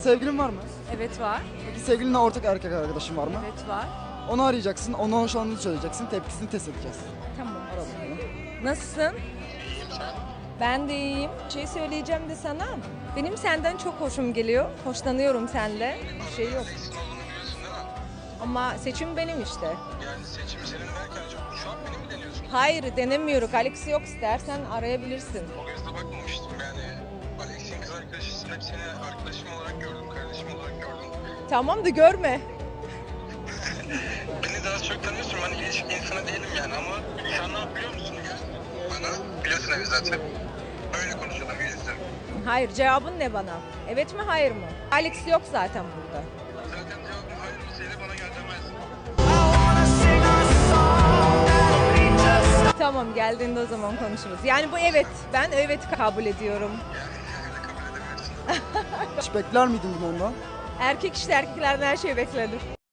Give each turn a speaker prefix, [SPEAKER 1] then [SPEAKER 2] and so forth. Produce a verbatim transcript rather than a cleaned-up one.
[SPEAKER 1] Sevgilin var mı?
[SPEAKER 2] Evet var.
[SPEAKER 1] Peki sevgilinle ortak erkek arkadaşın var mı?
[SPEAKER 2] Evet var.
[SPEAKER 1] Onu arayacaksın, ona hoşlandığını söyleyeceksin, tepkisini test edeceğiz.
[SPEAKER 2] Tamam.
[SPEAKER 1] Ara bakalım.
[SPEAKER 2] Nasılsın? Ben de iyiyim. Şey söyleyeceğim de sana. Benim senden çok hoşum geliyor. Hoşlanıyorum senden. Bir şey yok.
[SPEAKER 3] Alex'in olduğunu biliyorsun değil mi?
[SPEAKER 2] Ama seçim benim işte.
[SPEAKER 3] Yani seçimi senin derken çok- şu an beni mi deniyorsun?
[SPEAKER 2] Hayır denemiyoruz. Alex yok, istersen arayabilirsin.
[SPEAKER 3] O gözle bakmamıştım yani. Alex'in kız arkadaşı hep seni arkadaşım olarak gördüm, kardeşim olarak gördüm.
[SPEAKER 2] Tamam da görme.
[SPEAKER 3] Beni daha çok tanıyorsun, ben ilişki insanı değilim yani ama şu an ne yap biliyor musun ya? Bana biliyorsun evi zaten. Öyle konuşalım yüzde.
[SPEAKER 2] Hayır, cevabın ne bana? Evet mi, hayır mı? Alex yok zaten burada.
[SPEAKER 3] Zaten cevabım hayır olsaydı bana gel demezdin.
[SPEAKER 2] Tamam, geldiğinde o zaman konuşuruz. Yani bu evet. Ben evet kabul ediyorum.
[SPEAKER 3] Yani öyle kabul edemiyorsun.
[SPEAKER 1] Hiç bekler miydin bunu ondan?
[SPEAKER 2] Erkek işte erkeklerden her şey beklenir.